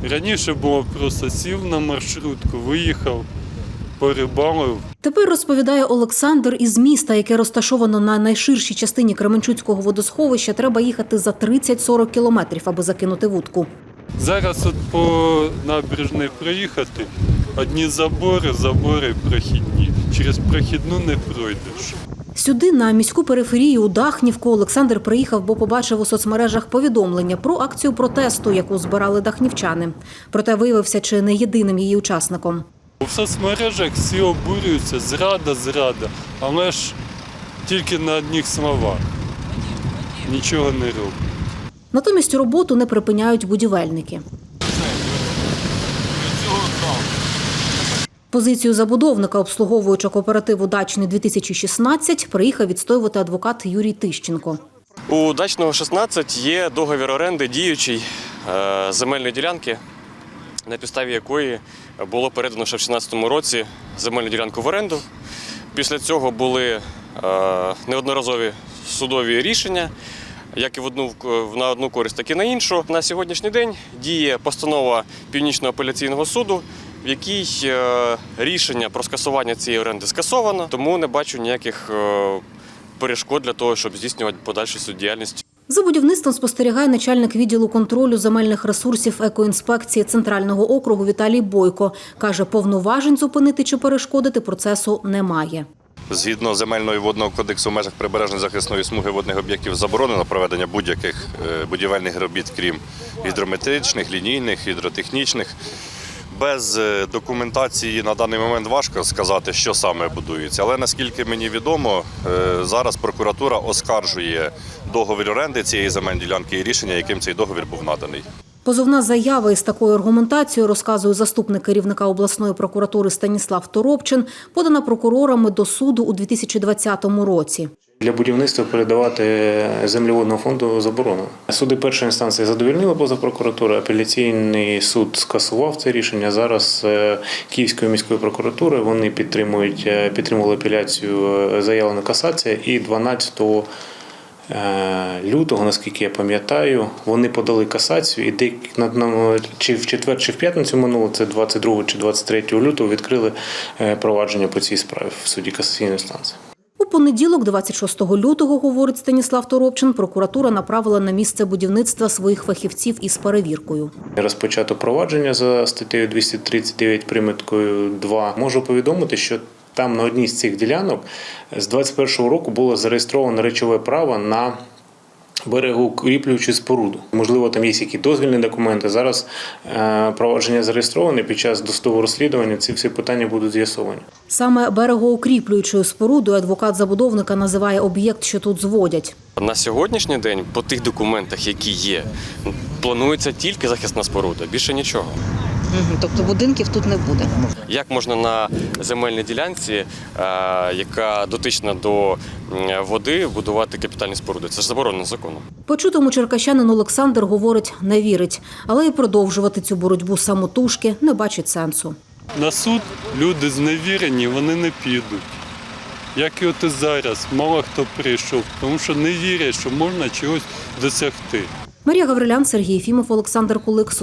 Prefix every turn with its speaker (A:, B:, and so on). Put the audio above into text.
A: Раніше було просто сів на маршрутку, виїхав, порибалив.
B: Тепер, розповідає Олександр, із міста, яке розташовано на найширшій частині Кременчуцького водосховища, треба їхати за 30-40 кілометрів, аби закинути вудку.
A: Зараз от по набережній проїхати, одні забори прохідні. Через прохідну не пройдеш.
B: Сюди, на міську периферію у Дахнівку, Олександр приїхав, бо побачив у соцмережах повідомлення про акцію протесту, яку збирали дахнівчани. Проте виявився чи не єдиним її учасником.
A: У соцмережах всі обурюються, зрада, але ж тільки на одних словах. Нічого не роблять.
B: Натомість роботу не припиняють будівельники. Позицію забудовника, обслуговуючи кооперативу «Дачний 2016», приїхав відстоювати адвокат Юрій Тищенко.
C: У «Дачного 16» є договір оренди діючий земельної ділянки, на підставі якої було передано ще в 2016 році земельну ділянку в оренду. Після цього були неодноразові судові рішення, як і на одну користь, так і на іншу. На сьогоднішній день діє постанова Північного апеляційного суду, в якій рішення про скасування цієї оренди скасовано, тому не бачу ніяких перешкод для того, щоб здійснювати подальшу суддіяльність.
B: За будівництвом спостерігає начальник відділу контролю земельних ресурсів екоінспекції Центрального округу Віталій Бойко. Каже, повноважень зупинити чи перешкодити процесу немає.
D: Згідно Земельного і водного кодексу в межах прибережної захисної смуги водних об'єктів заборонено проведення будь-яких будівельних робіт, крім гідрометричних, лінійних, гідротехнічних. Без документації на даний момент важко сказати, що саме будується. Але наскільки мені відомо, зараз прокуратура оскаржує договір оренди цієї земельної ділянки і рішення, яким цей договір був наданий.
B: Позовна заява із такою аргументацією, розказує заступник керівника обласної прокуратури Станіслав Торопчин, подана прокурорами до суду у 2020 році.
E: Для будівництва передавати землі водного фонду заборонено. Суди першої інстанції задовольнили позов прокуратури, апеляційний суд скасував це рішення. Зараз Київської міської прокуратури вони підтримували апеляцію, заявлена касація, і 12 лютого, наскільки я пам'ятаю, вони подали касацію і чи в четвер, чи в п'ятницю минуло, це 22 чи 23 лютого, відкрили провадження по цій справі в суді касаційної інстанції.
B: У понеділок, 26 лютого, говорить Станіслав Торопчин, прокуратура направила на місце будівництва своїх фахівців із перевіркою.
E: Розпочато провадження за статтею 239 приміткою 2. Можу повідомити, що там на одній з цих ділянок з 2021 року було зареєстровано речове право на берегоукріплюючу споруду. Можливо, там є якісь дозвільні документи. Зараз провадження зареєстроване, під час досудового розслідування ці всі питання будуть з'ясовані.
B: Саме берегоукріплюючою спорудою адвокат забудовника називає об'єкт, що тут зводять.
C: На сьогоднішній день по тих документах, які є, планується тільки захисна споруда, більше нічого.
F: Тобто будинків тут не буде?
C: Як можна на земельній ділянці, яка дотична до води, будувати капітальні споруди? Це ж заборонено законом.
B: Почутому черкащанин Олександр, говорить, не вірить. Але і продовжувати цю боротьбу самотужки не бачить сенсу.
A: На суд люди зневірені, вони не підуть. Як і от і зараз, мало хто прийшов, тому що не вірять, що можна чогось досягти.
B: Марія Гаврилян, Сергій Єфімов, Олександр Кулик.